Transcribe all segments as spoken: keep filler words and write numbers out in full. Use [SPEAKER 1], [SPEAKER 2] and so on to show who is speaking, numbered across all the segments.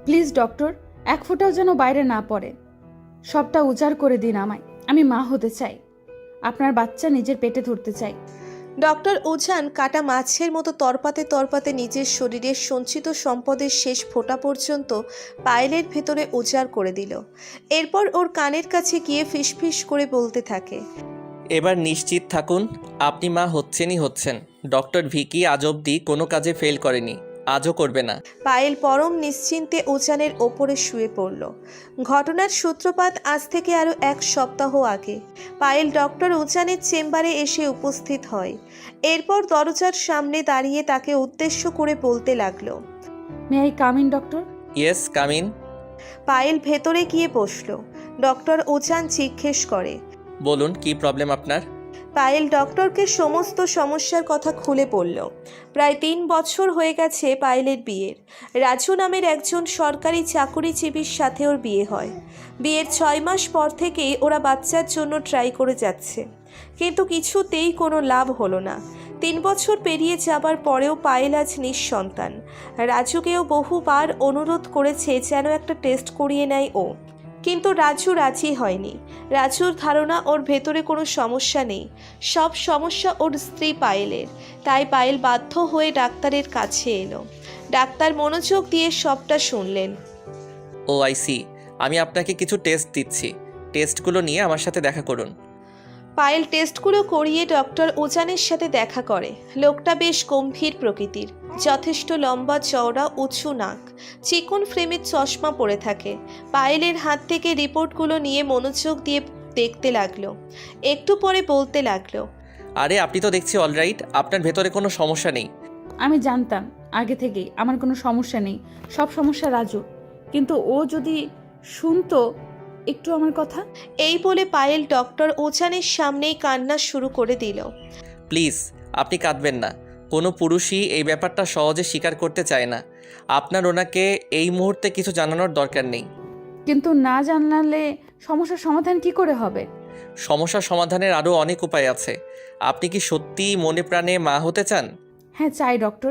[SPEAKER 1] Please doctor, এক ফোঁটাও যেন বাইরে না পড়ে। সবটা উজাড় করে দিন আমায়। আমি মা হতে চাই, আপনার বাচ্চা নিজের পেটে ধরতে চাই।
[SPEAKER 2] ডক্টর উজান কাটা মাছের মতো তরপাতে তরপাতে নিজের শরীরের সঞ্চিত সম্পদের শেষ ফোঁটা পর্যন্ত পায়েলের ভেতরে উজাড় করে দিল। এরপর ওর কানের কাছে গিয়ে ফিসফিস করে বলতে থাকে,
[SPEAKER 3] এবার নিশ্চিত থাকুন, আপনি মা হচ্ছেনই হচ্ছেন। ডক্টর ভিকি আজ অবধি কোনো কাজে ফেল করেনি, আজও করবে না।
[SPEAKER 2] পায়েল পরম নিশ্চিন্তে উজানের ওপরে শুয়ে পড়ল। ঘটনার সূত্রপাত আজ থেকে আরও এক সপ্তাহ আগে পায়েল ডক্টর উজানের চেম্বারে এসে উপস্থিত হয়। এরপর দরজার সামনে দাঁড়িয়ে তাকে উদ্দেশ্য করে বলতে লাগলো,
[SPEAKER 1] may I come in doctor?
[SPEAKER 3] Yes, come in.
[SPEAKER 2] Payel ভেতরে গিয়ে বসল। ডক্টর উজান জিজ্ঞেস করে,
[SPEAKER 3] বলুন, কি প্রবলেম আপনার?
[SPEAKER 2] পায়েল ডক্টরকে সমস্ত সমস্যার কথা খুলে বলল। প্রায় তিন বছর হয়ে গেছে পায়েলের বিয়ের। রাজু নামের একজন সরকারি চাকুরিজীবীর সাথে ওর বিয়ে হয়। বিয়ের ছয় মাস পর থেকেই ওরা বাচ্চার জন্য ট্রাই করে যাচ্ছে, কিন্তু কিছুতেই কোনো লাভ হলো না। তিন বছর পেরিয়ে যাবার পরেও পায়েল আজ নিঃসন্তান। রাজুকেও বহুবার অনুরোধ করেছে যেন একটা টেস্ট করিয়ে নেয় ও, কিন্তু রাজু রাজি হয়নি। রাজুর ধারণা ওর ভেতরে কোনো সমস্যা নেই, সব সমস্যা ওর স্ত্রী পায়েলের। তাই পায়েল বাধ্য হয়ে ডাক্তারের কাছে এলো। ডাক্তার মনোযোগ দিয়ে সবটা শুনলেন।
[SPEAKER 3] ও আই সি, আমি আপনাকে কিছু টেস্ট দিচ্ছি, টেস্টগুলো নিয়ে আমার সাথে দেখা করুন।
[SPEAKER 2] পায়েল টেস্টগুলো করিয়ে ডক্টর উজানের সাথে দেখা করে। লোকটা বেশ গম্ভীর প্রকৃতির, যথেষ্ট লম্বা চওড়া, উঁচু নাক, চিকন ফ্রেমের চশমা পরে থাকে। পায়েলের হাত থেকে রিপোর্টগুলো নিয়ে মনোযোগ দিয়ে দেখতে লাগলো। একটু পরে বলতে লাগলো,
[SPEAKER 3] আরে আপনি তো দেখছি অলরাইট, আপনার ভেতরে কোনো সমস্যা নেই।
[SPEAKER 1] আমি জানতাম আগে থেকেই আমার কোনো সমস্যা নেই, সব সমস্যা রাজুর। কিন্তু ও যদি শুনতো একটু আমার কথা।
[SPEAKER 2] এই বলে পায়েল ডক্টর উজানের সামনেই কান্না শুরু করে দিল।
[SPEAKER 3] প্লিজ, আপনি কাঁদবেন না। কোনো পুরুষই এই ব্যাপারটা সহজে স্বীকার করতে চায় না। আপনার ওনাকে এই মুহূর্তে কিছু জানানোর দরকার নেই।
[SPEAKER 1] কিন্তু না জানালে সমস্যার সমাধান কি করে হবে?
[SPEAKER 3] সমস্যা সমাধানের আরও অনেক উপায় আছে। আপনি কি সত্যিই মনে প্রাণে মা হতে চান?
[SPEAKER 1] হ্যাঁ চাই ডক্টর।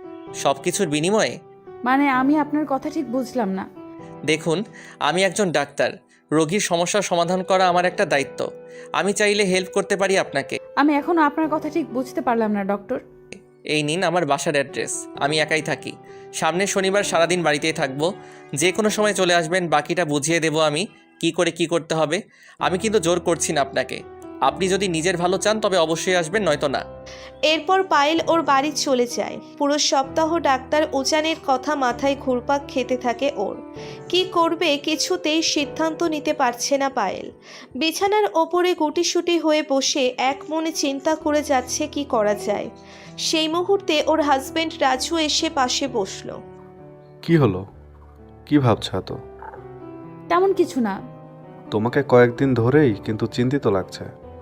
[SPEAKER 3] সব কিছুর বিনিময়ে?
[SPEAKER 1] মানে আমি আপনার কথা ঠিক বুঝলাম না।
[SPEAKER 3] দেখুন, আমি একজন ডাক্তার, রোগীর সমস্যার সমাধান করা আমার একটা দায়িত্ব। আমি চাইলে হেল্প করতে পারি আপনাকে।
[SPEAKER 1] আমি এখনো আপনার কথা ঠিক বুঝতে পারলাম না ডক্টর।
[SPEAKER 3] এই নিন আমার বাসার অ্যাড্রেস। আমি একাই থাকি, সামনের শনিবার সারাদিন বাড়িতেই থাকবো। যে কোনো সময় চলে আসবেন, বাকিটা বুঝিয়ে দেবো আমি কি করে কি করতে হবে। আমি কিন্তু জোর করছি না আপনাকে। আপনি যদি নিজের ভালো চান তবে অবশ্যই আসবেন, নয়তো না।
[SPEAKER 2] এরপর পায়েল ওর বাড়ি চলে যায়। পুরো সপ্তাহ ডাক্তার উজানের কথা মাথায় ঘুরপাক খেতে থাকে ওর। কি করবে কিছুতেই সিদ্ধান্ত নিতে পারছে না পায়েল। বিছানার ওপরে গুটিসুটি হয়ে বসে এক মনে চিন্তা করে যাচ্ছে কি করা যায়। সেই মুহূর্তে ওর হাজবেন্ড রাজু এসে পাশে বসলো।
[SPEAKER 4] কি হলো? কি ভাবছো এত?
[SPEAKER 1] তেমন কিছু না।
[SPEAKER 4] তোমাকে কয়েকদিন ধরেই কিন্তু চিন্তিত লাগছে।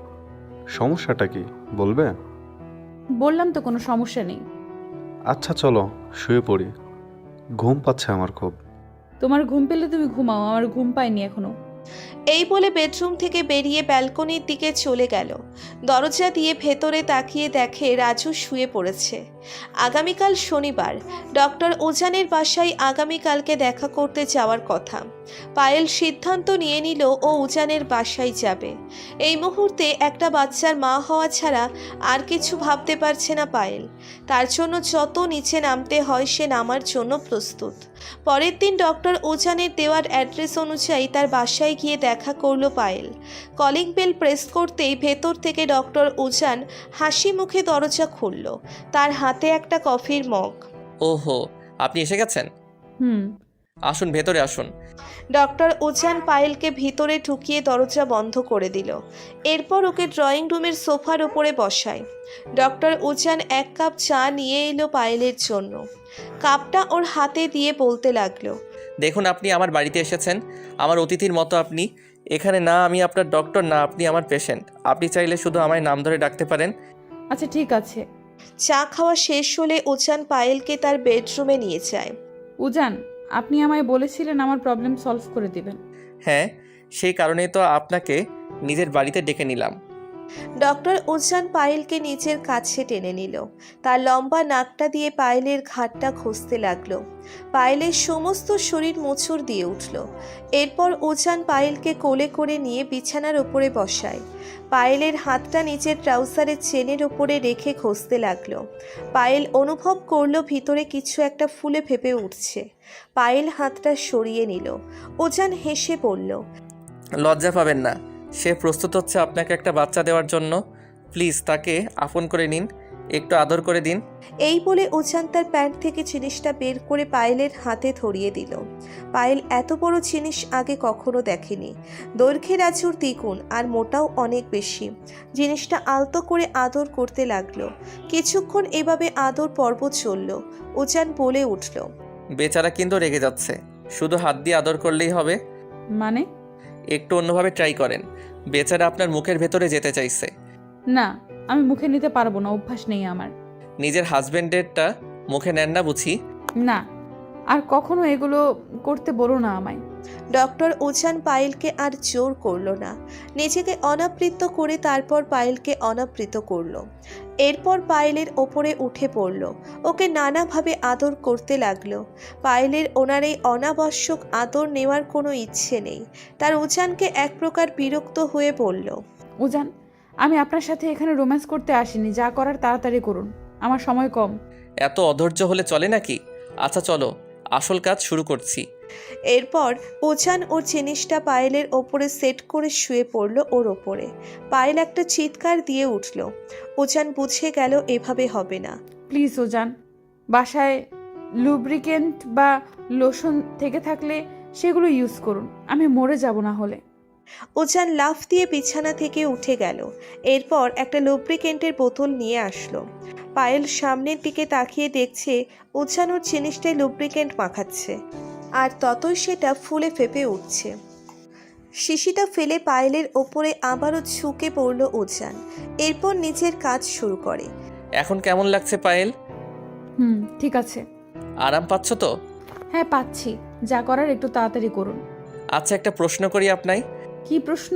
[SPEAKER 4] সমস্যাটা কি বলবে?
[SPEAKER 1] বললাম তো কোনো সমস্যা নেই।
[SPEAKER 4] আচ্ছা চলো শুয়ে পড়ি, ঘুম পাচ্ছে আমার খুব।
[SPEAKER 1] তোমার ঘুম পেলে তুমি ঘুমাও, আমার ঘুম পায়নি এখনো।
[SPEAKER 2] এই বলে বেডরুম থেকে বেরিয়ে ব্যালকনির দিকে চলে গেল। দরজা দিয়ে ভেতরে তাকিয়ে দেখে রাজু শুয়ে পড়েছে। আগামীকাল শনিবার, ডক্টর উজানের বাসায় আগামীকালকে দেখা করতে যাওয়ার কথা। পায়েল সিদ্ধান্ত নিয়ে নিল ও উজানের বাসায় যাবে। এই মুহূর্তে একটা বাচ্চার মা হওয়া ছাড়া আর কিছু ভাবতে পারছে না পায়েল। তার জন্য যত নিচে নামতে হয় সে নামার জন্য প্রস্তুত। পরের দিন ডক্টর উজানের দেওয়ার অ্যাড্রেস অনুযায়ী তার বাসায় গিয়ে দেখা করলো পায়েল। কলিং বেল প্রেস করতেই ভেতর থেকে ডক্টর উজান হাসি মুখে দরজা খুলল। তার হাতে একটা কফির মগ।
[SPEAKER 3] ওহো, আপনি এসে গেছেন?
[SPEAKER 1] হুম।
[SPEAKER 3] আসুন, ভেতরে আসুন।
[SPEAKER 2] ডক্টর উজান পায়েলকে ভিতরে ঢুকিয়ে দরজা বন্ধ করে দিল। এরপর ওকে ড্রয়িং রুমের সোফার উপরে বসায়। ডক্টর উজান এক কাপ চা নিয়ে এলো পায়েলের জন্য। কাপটা ওর হাতে দিয়ে বলতে লাগলো,
[SPEAKER 3] দেখুন, আপনি আমার বাড়িতে এসেছেন আমার অতিথির মতো। আপনি এখানে না আমি আপনার ডক্টর, না আপনি আমার পেশেন্ট। আপনি চাইলে শুধু আমায় নাম ধরে ডাকতে পারেন।
[SPEAKER 1] আচ্ছা ঠিক আছে।
[SPEAKER 2] চা খাওয়া শেষ হলে উজান পায়েলকে তার বেডরুমে নিয়ে যায়।
[SPEAKER 1] উজান, আপনি আমায় বলেছিলেন আমার প্রবলেম সলভ করে দিবেন।
[SPEAKER 3] হ্যাঁ, সেই কারণেই তো আপনাকে নিজের বাড়িতে ডেকে নিলাম।
[SPEAKER 2] ডক্টর উজান পায়েলকে নিচের কাছে টেনে নিল। তার লম্বা নাকটা দিয়ে পায়েলের ঘাটটা ঘষতে লাগলো। পায়েলের সমস্ত শরীর মোচড় দিয়ে উঠল। এরপর উজান পায়েলকে কোলে করে নিয়ে বিছানার ওপরে বসায়। পায়েলের হাতটা নিচের ট্রাউজারের চেনের ওপরে রেখে ঘষতে লাগলো। পায়েল অনুভব করলো ভিতরে কিছু একটা ফুলে ফেপে উঠছে। পায়েল হাতটা সরিয়ে নিল। উজান হেসে বলল,
[SPEAKER 3] লজ্জা পাবেন না, সে প্রস্তুত হচ্ছে আপনাকে একটা বাচ্চা দেওয়ার জন্য। প্লিজ তাকে আপন করে নিন, একটু আদর করে দিন।
[SPEAKER 2] এই বলে উজান তার প্যান্ট থেকে জিনিসটা বের করে পায়েলের হাতে ধরিয়ে দিল। পায়েল এত বড় জিনিস আগে কখনো দেখেনি। দৈর্ঘ্যের আচুর দ্বিগুণ আর মোটাও অনেক বেশি। জিনিসটা আলতো করে আদর করতে লাগলো। কিছুক্ষণ এভাবে আদর পর্ব চলল। উজান বলে উঠল,
[SPEAKER 3] বেচারা কিন্তু রেগে যাচ্ছে, শুধু হাত দিয়ে আদর করলেই হবে?
[SPEAKER 1] মানে?
[SPEAKER 3] একটু অন্যভাবে ট্রাই করেন, বেচারা আপনার মুখের ভেতরে যেতে চাইছে।
[SPEAKER 1] না, আমি মুখে নিতে পারবো না, অভ্যাস নেই আমার।
[SPEAKER 3] নিজের হাজবেন্ডেরটা মুখে নেন না বুঝি?
[SPEAKER 1] না, আর কখনো এগুলো করতে বলো না আমায়।
[SPEAKER 2] ডক্টর উজান পায়েলকে আর জোর করলো না। নিজেকে অনাবৃত করে তারপর পায়েলকে অনাবৃত করলো। এরপর পায়েলের ওপরে উঠে পড়ল। ওকে নানাভাবে আদর করতে লাগলো। পায়েলের ওনার এই অনাবশ্যক আদর নেওয়ার কোনো ইচ্ছে নেই। তার উজানকে এক প্রকার বিরক্ত হয়ে বলল,
[SPEAKER 1] উজান, আমি আপনার সাথে এখানে রোম্যান্স করতে আসিনি, যা করার তাড়াতাড়ি করুন, আমার সময় কম।
[SPEAKER 3] এত অধৈর্য হলে চলে নাকি? আচ্ছা চলো, আসল কাজ শুরু করছি।
[SPEAKER 2] এরপর উজান ওর জিনিসটা পায়েলের ওপরে সেট করে শুয়ে পড়ল ওর ওপরে। পায়েল একটা চিৎকার দিয়ে উঠল। উজান বুঝে গেল এভাবে হবে না।
[SPEAKER 1] প্লিজ উজান, বাসায় লুব্রিকেন্ট বা লোশন থেকে থাকলে সেগুলো ইউজ করুন, আমি মরে যাব না হলে।
[SPEAKER 2] উজান লাফ দিয়ে বিছানা থেকে উঠে গেল। এরপর একটা লুব্রিকেন্টের বোতল নিয়ে আসলো। পায়েল সামনের দিকে তাকিয়ে দেখছে উজান ওর জিনিসটায় লুব্রিকেন্ট মাখাচ্ছে, আর ততই সেটা ফুলে ফেপে উঠছে। শিশিটা ফেলে পায়েলের ওপরে আবারও ঝুঁকে পড়ল উজান। এরপর নিজের কাজ শুরু করে।
[SPEAKER 3] এখন কেমন লাগছে পায়েল?
[SPEAKER 1] হুম, ঠিক আছে।
[SPEAKER 3] আরাম পাচ্ছ তো?
[SPEAKER 1] হ্যাঁ পাচ্ছি, যা করার একটু তাড়াতাড়ি করুন।
[SPEAKER 3] আচ্ছা একটা প্রশ্ন করি আপনাই।
[SPEAKER 1] কি প্রশ্ন?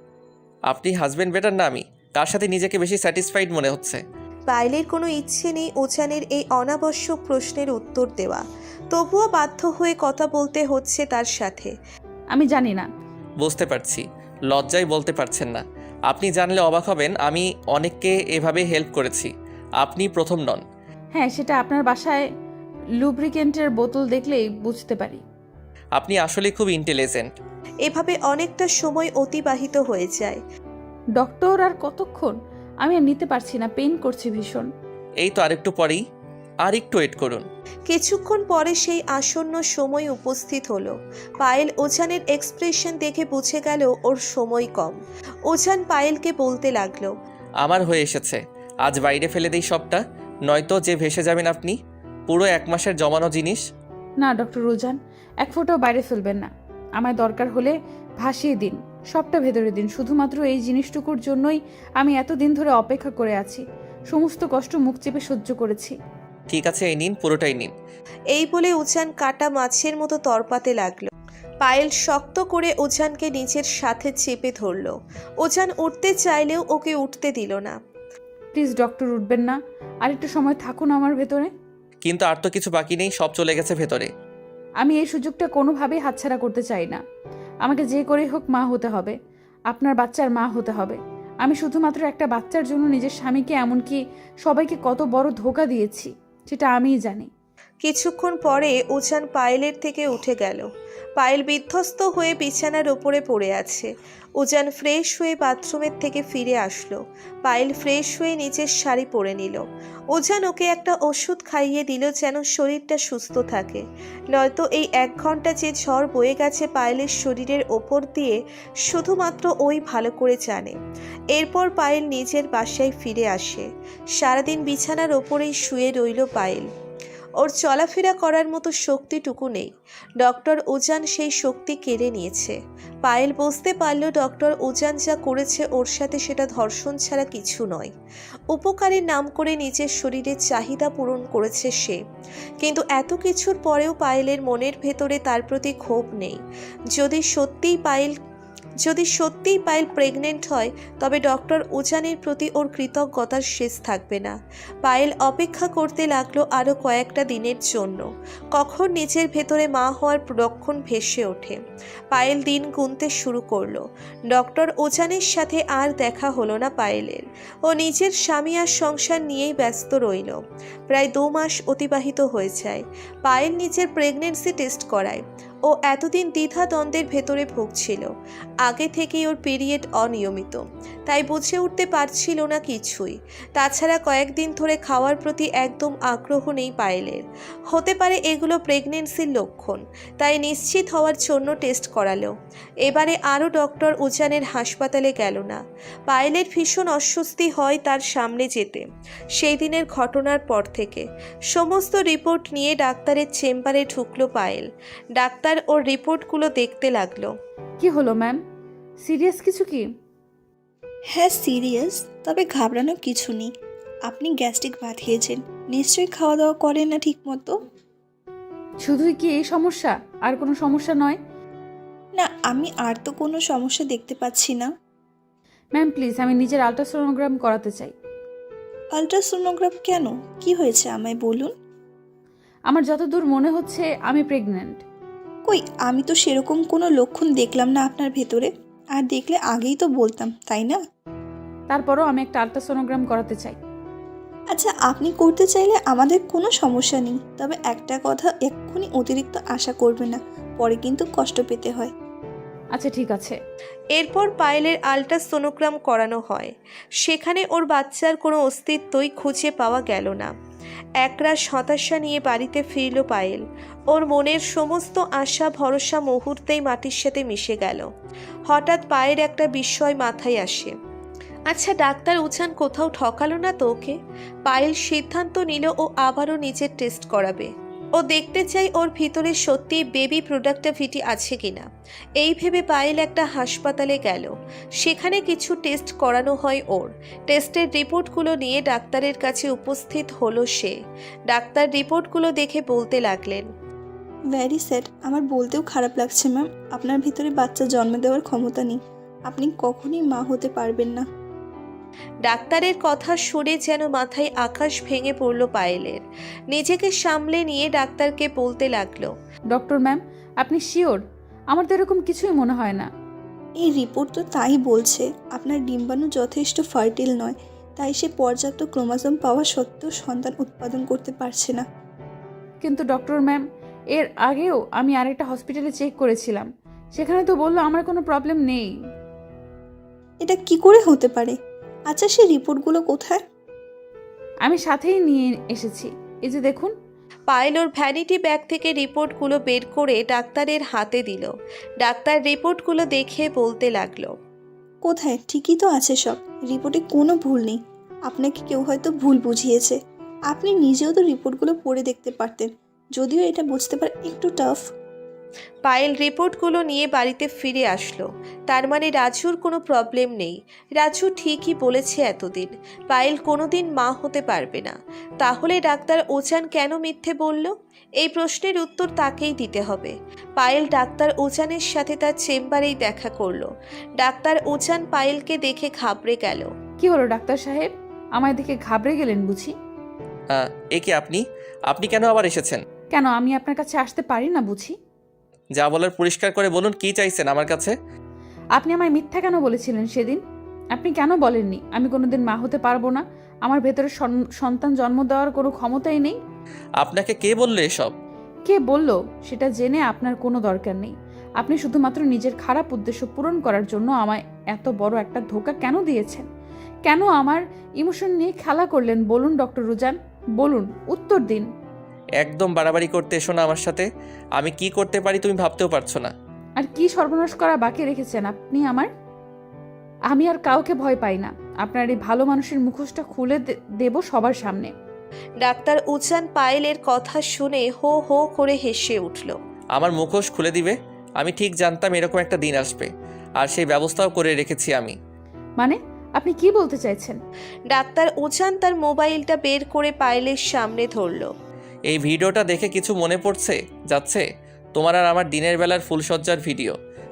[SPEAKER 3] আপনি হাজবেন্ড বেটার না আমি, কার সাথে নিজেকে বেশি স্যাটিসফাইড মনে হচ্ছে?
[SPEAKER 2] পায়েলের কোনো ইচ্ছে নেই উজানের এই অনাবশ্যক প্রশ্নের উত্তর দেওয়া। তবুও বাধ্য হয়ে কথা বলতে হচ্ছে তার সাথে।
[SPEAKER 1] আমি জানি না।
[SPEAKER 3] বুঝতে পারছি, লজ্জায় বলতে পারছেন না। আপনি জানলে অবাক হবেন, আমি অনেককে এভাবে হেল্প করেছি, আপনি প্রথম নন।
[SPEAKER 1] হ্যাঁ, সেটা আপনার বাসায় লুব্রিকেন্টের বোতল দেখলেই বুঝতে পারি।
[SPEAKER 3] আপনি আসলে খুব ইন্টেলিজেন্ট।
[SPEAKER 2] এভাবে অনেকটা সময় অতিবাহিত হয়ে যায়।
[SPEAKER 1] ডক্টর, আর কতক্ষণ? আমি আর নিতে পারছি না, পেইন করছে ভীষণ।
[SPEAKER 3] এই তো আরেকটু পরেই, আর একটু ওয়েট করুন।
[SPEAKER 2] কিছুক্ষণ পরে সেই আসন্ন সময় উপস্থিত হলো। পায়েল ওজানের এক্সপ্রেশন দেখে বুঝে গেল ওর সময় কম। ওজান পায়েলকে বলতে লাগলো,
[SPEAKER 3] আমার হয়ে এসেছে, আজ বাইরে ফেলে দিই সবটা, নয়তো যে ভেসে যাবেন আপনি। পুরো এক মাসের জমানো জিনিস।
[SPEAKER 1] না ডক্টর রোজান, এক ফোঁটাও বাইরে ফেলবেন না। আমায় দরকার হলে ভাসিয়ে দিন, সবটা ভেতরে দিন। শুধুমাত্র এই জিনিসটুকুর জন্যই আমি এতদিন ধরে অপেক্ষা করে আছি। সমস্ত কষ্ট মুখ চেপে সহ্য করেছি।
[SPEAKER 3] ঠিক আছে, এই নিন, পুরোটাই নিন।
[SPEAKER 2] এই বলে উজান কাটা মাছের মতো তরপাতে লাগলো। পায়েল শক্ত করে ওজানকে নিজের সাথে চেপে ধরলো। ওজান উঠতে চাইলেও ওকে উঠতে দিল না।
[SPEAKER 1] প্লিজ ডক্টর, উঠবেন না, আর একটু সময় থাকুন আমার ভেতরে।
[SPEAKER 3] কিন্তু আর তো কিছু বাকি নেই, সব চলে গেছে ভেতরে।
[SPEAKER 1] আমি এই সুযোগটা কোনোভাবেই হাতছাড়া করতে চাই না। আমাকে যে করেই হোক মা হতে হবে, আপনার বাচ্চার মা হতে হবে। আমি শুধুমাত্র একটা বাচ্চার জন্য নিজের স্বামীকে, এমনকি সবাইকে কত বড় ধোঁকা দিয়েছি সেটা আমিই জানি।
[SPEAKER 2] কিছুক্ষণ পরে উজান পায়েলের থেকে উঠে গেল। পায়েল বিধ্বস্ত হয়ে বিছানার ওপরে পড়ে আছে। উজান ফ্রেশ হয়ে বাথরুমের থেকে ফিরে আসলো। পায়েল ফ্রেশ হয়ে নিচের শাড়ি পরে নিল। উজান ওকে একটা ওষুধ খাইয়ে দিল যেন শরীরটা সুস্থ থাকে, নয়তো এই এক ঘন্টা যে ঝড় বয়ে গেছে পায়েলের শরীরের ওপর দিয়ে শুধুমাত্র ওই ভালো করে জানে। এরপর পায়েল নিজের বাসায় ফিরে আসে। সারাদিন বিছানার ওপরেই শুয়ে রইল পায়েল। ওর চলাফেরা করার মতো শক্তিটুকু নেই। ডক্টর উজান সেই শক্তি কেড়ে নিয়েছে। পায়েল বুঝতে পারল ডক্টর উজান যা করেছে ওর সাথে সেটা ধর্ষণ ছাড়া কিছু নয়। উপকারের নাম করে নিজের শরীরের চাহিদা পূরণ করেছে সে। কিন্তু এত কিছুর পরেও পায়েলের মনের ভেতরে তার প্রতি ক্ষোভ নেই। যদি সত্যিই পায়েল যদি সত্যিই পায়েল প্রেগনেন্ট হয় তবে ডক্টর উজানের প্রতি ওর কৃতজ্ঞতার শেষ থাকবে না। পায়েল অপেক্ষা করতে লাগলো আরও কয়েকটা দিনের জন্য, কখন নিজের ভেতরে মা হওয়ার লক্ষণ ভেসে ওঠে। পায়েল দিন গুনতে শুরু করলো। ডক্টর উজানের সাথে আর দেখা হলো না পায়েলের। ও নিজের স্বামী আর সংসার নিয়েই ব্যস্ত রইল। প্রায় দু মাস অতিবাহিত হয়ে যায়। পায়েল নিজের প্রেগনেন্সি টেস্ট করায়। ও এতদিন দ্বিধাদ্বন্দ্বের ভেতরে ভুগছিল। আগে থেকেই ওর পিরিয়ড অনিয়মিত, তাই বুঝে উঠতে পারছিল না কিছুই। তাছাড়া কয়েকদিন ধরে খাওয়ার প্রতি একদম আগ্রহ নেই পায়েলের। হতে পারে এগুলো প্রেগনেন্সির লক্ষণ, তাই নিশ্চিত হওয়ার জন্য টেস্ট করালো। এবারে আরও ডক্টর উজানের হাসপাতালে গেল না। পায়েলের ভীষণ অস্বস্তি হয় তার সামনে যেতে। সেই দিনের ঘটনার পর থেকে সমস্ত রিপোর্ট নিয়ে ডাক্তারের চেম্বারে ঢুকলো পায়েল। ডাক্তার ওর রিপোর্টগুলো দেখতে লাগলো।
[SPEAKER 1] কি হলো ম্যাম, সিরিয়াস কিছু কি?
[SPEAKER 5] হ্যাঁ সিরিয়াস, তবে ঘাবড়ানোর কিছু নেই। আপনি গ্যাস্ট্রিক ভাত খেয়েছেন, নিশ্চয়ই খাওয়া দাওয়া করেন না ঠিক মতো।
[SPEAKER 1] শুধুই কি এই সমস্যা, আর কোনো সমস্যা নয়?
[SPEAKER 5] না, আমি আর তো কোনো সমস্যা দেখতে পাচ্ছি না।
[SPEAKER 1] ম্যাম প্লিজ, আমি নিজের আলট্রাসোনোগ্রাম করাতে চাই।
[SPEAKER 5] আলট্রাসোনোগ্রাফ কেন? কি হয়েছে আমায় বলুন।
[SPEAKER 1] আমার যতদূর মনে হচ্ছে আমি প্রেগন্যান্ট।
[SPEAKER 5] কই, আমি তো সেরকম কোনো লক্ষণ দেখলাম না আপনার ভেতরে। আর দেখলে আগেই তো বলতাম, তাই না?
[SPEAKER 1] তারপরও আমি একটা আলট্রাসোনোগ্রাম করাতে চাই।
[SPEAKER 5] আচ্ছা, আপনি করতে চাইলে আমাদের কোনো সমস্যা নেই, তবে একটা কথা, এক্ষুনি অতিরিক্ত আশা করবে না, পরে কিন্তু কষ্ট পেতে হয়।
[SPEAKER 1] আচ্ছা ঠিক আছে।
[SPEAKER 2] এরপর পায়েলের আল্ট্রাসোনোগ্রাম করানো হয়। সেখানে ওর বাচ্চার কোনো অস্তিত্বই খুঁজে পাওয়া গেল না। একরাশ হতাশা নিয়ে বাড়িতে ফিরল পায়েল। ওর মনের সমস্ত আশা ভরসা মুহূর্তেই মাটির সাথে মিশে গেল। হঠাৎ পায়ের একটা বিস্ময় মাথায় আসে। আচ্ছা, ডাক্তার উজান কোথাও ঠকালো না তো ওকে? পায়েল সিদ্ধান্ত নিল ও আবারও নিজের টেস্ট করাবে। ও দেখতে চাই ওর ভিতরে সত্যি বেবি প্রোডাক্টিভিটি আছে কিনা। এই ভেবে পায়েল একটা হাসপাতালে গেল। সেখানে কিছু টেস্ট করানো হয় ওর। টেস্টের রিপোর্টগুলো নিয়ে ডাক্তারের কাছে উপস্থিত হলো সে। ডাক্তার রিপোর্টগুলো দেখে বলতে লাগলেন,
[SPEAKER 5] ভ্যারি স্যাড, আমার বলতেও খারাপ লাগছে ম্যাম, আপনার ভিতরে বাচ্চা জন্ম দেওয়ার ক্ষমতা নেই। আপনি কখনোই মা হতে পারবেন না।
[SPEAKER 2] ডাক্তারের কথা শুনে যেন মাথায় আকাশ ভেঙে পড়ল পায়েলের। নিজেকে সামলে নিয়ে ডাক্তারকে বলতে লাগলো,
[SPEAKER 1] ডক্টর ম্যাম, আপনি শিওর? আমার তো এরকম কিছুই মনে হয় না।
[SPEAKER 5] এই রিপোর্ট তো তাই বলছে, আপনার ডিম্বাণু যথেষ্ট ফার্টিল নয়, তাই সে পর্যাপ্ত ক্রোমোজোম পাওয়া সত্ত্বেও সন্তান উৎপাদন করতে পারছে না।
[SPEAKER 1] কিন্তু ডক্টর ম্যাম, এর আগেও আমি আরেকটা হসপিটালে চেক করেছিলাম, সেখানে তো বললো আমার কোনো প্রবলেম নেই।
[SPEAKER 5] এটা কি করে হতে পারে? আচ্ছা, সেই রিপোর্টগুলো কোথায়?
[SPEAKER 1] আমি সাথেই নিয়ে এসেছি, এই যে দেখুন।
[SPEAKER 2] পায়েল ওর ভ্যানিটি ব্যাগ থেকে রিপোর্টগুলো বের করে ডাক্তারের হাতে দিল। ডাক্তার রিপোর্টগুলো দেখে বলতে লাগলো,
[SPEAKER 5] কোথায়? ঠিকই তো আছে সব, রিপোর্টে কোনো ভুল নেই। আপনাকে কেউ হয়তো ভুল বুঝিয়েছে। আপনি নিজেও তো রিপোর্টগুলো পড়ে দেখতে পারতেন, যদিও এটা বুঝতে পারা একটু টাফ।
[SPEAKER 2] পায়েল রিপোর্টগুলো নিয়ে বাড়িতে ফিরে আসলো। তার মানে রাজুর কোনো প্রবলেম নেই। রাজু ঠিকই বলেছে এতদিন, পায়েল কোনোদিন মা হতে পারবে না। তাহলে ডাক্তার ওজান কেন মিথ্যে বলল? এই প্রশ্নের উত্তর তাকেই দিতে হবে। পায়েল ডাক্তার ওজানের সাথে তার চেম্বারেই দেখা করলো। ডাক্তার ওজান পায়েলকে দেখে ঘাবড়ে গেল।
[SPEAKER 1] কি হলো ডাক্তার সাহেব, আমায় দেখে ঘাবড়ে গেলেন বুঝি?
[SPEAKER 3] আহ, এ কি আপনি আপনি কেন আবার এসেছেন?
[SPEAKER 1] কেন আমি আপনার কাছে আসতে পারি না বুঝি?
[SPEAKER 3] যা বলার পরিষ্কার করে বলুন, কি চাইছেন আমার কাছে?
[SPEAKER 1] আপনি আমায় মিথ্যা কেন বলেছিলেন সেদিন? আপনি কেন বলেননি আমি কোনোদিন মা হতে পারবো না, আমার ভেতরে সন- সন্তান জন্ম দেওয়ার কোনো ক্ষমতাই নেই?
[SPEAKER 3] আপনাকে কে বললো এসব?
[SPEAKER 1] কে বলল সেটা জেনে আপনার কোনো দরকার নেই। আপনি শুধুমাত্র নিজের খারাপ উদ্দেশ্য পূরণ করার জন্য আমায় এত বড় একটা ধোঁকা কেন দিয়েছেন? কেন আমার ইমোশন নিয়ে খেলা করলেন বলুন ডক্টর রুজান, বলুন, উত্তর দিন।
[SPEAKER 3] একদম বাড়াবাড়ি করতে এসো না আমার সাথে। আমি কি করতে পারি তুমি ভাবতেও পারছো না।
[SPEAKER 1] আর কি সর্বনাশ করা বাকি রেখেছেন আপনি আমার? আমি আর কাউকে ভয় পাই না। আপনার এই ভালো মানুষের মুখোশটা খুলে দে- দেব সবার সামনে।
[SPEAKER 2] ডাক্তার উজান পায়েলের কথা শুনে হো হো করে হেসে উঠল।
[SPEAKER 3] আমার মুখোশ খুলে দিবে? আমি ঠিক জানতাম এরকম একটা দিন আসবে, আর সেই ব্যবস্থাও করে রেখেছি আমি।
[SPEAKER 1] মানে আপনি কি বলতে চাইছেন?
[SPEAKER 2] ডাক্তার উজান তার মোবাইলটা বের করে পায়েলের সামনে ধরল।
[SPEAKER 3] এই ভিডিওটা দেখে কিছু মনে পড়ছে যাচ্ছে? তোমার আর আমার দিনের বেলার ফুলসজ্জার ভিডিও,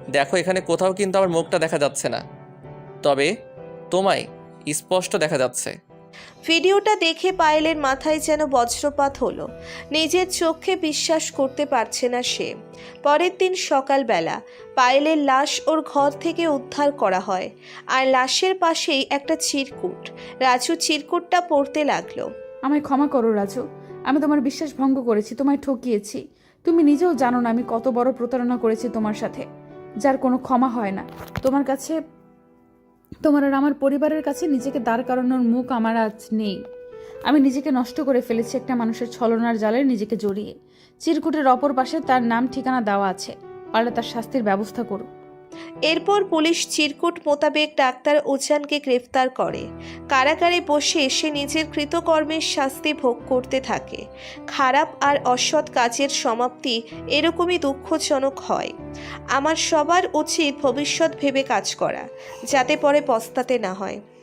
[SPEAKER 3] দেখো এখানে কোথাও কিন্তু আমার মুখটা দেখা যাচ্ছে না, তবে তোমায় স্পষ্ট দেখা যাচ্ছে।
[SPEAKER 2] ভিডিওটা দেখে পায়েলের মাথায় যেন বজ্রপাত হলো। নিজের চোখে বিশ্বাস করতে পারছে না সে। পরের দিন সকালবেলা পায়েলের লাশ ওর ঘর থেকে উদ্ধার করা হয়, আর লাশের পাশেই একটা চিরকুট। রাজু চিরকুটটা পড়তে লাগলো।
[SPEAKER 1] আমায় ক্ষমা করো রাজু, আমি তোমার বিশ্বাস ভঙ্গ করেছি, তোমায় ঠকিয়েছি। তুমি নিজেও জানো না আমি কত বড় প্রতারণা করেছি তোমার সাথে, যার কোনো ক্ষমা হয় না। তোমার কাছে, তোমার আর আমার পরিবারের কাছে নিজেকে দাঁড় করানোর মুখ আমার আজ নেই। আমি নিজেকে নষ্ট করে ফেলেছি একটা মানুষের ছলনার জালে নিজেকে জড়িয়ে। চিরকুটের অপর পাশে তার নাম ঠিকানা দেওয়া আছে, পারলে তার শাস্তির ব্যবস্থা করো।
[SPEAKER 2] এরপর পুলিশ চিরকুট মোতাবেক ডাক্তার ওজানকে গ্রেফতার করে। কারাগারে বসে সে নিজের কৃতকর্মের শাস্তি ভোগ করতে থাকে। খারাপ আর অসৎ কাজের সমাপ্তি এরকমই দুঃখজনক হয়। আমার সবার উচিত ভবিষ্যৎ ভেবে কাজ করা, যাতে পরে পস্তাতে না হয়।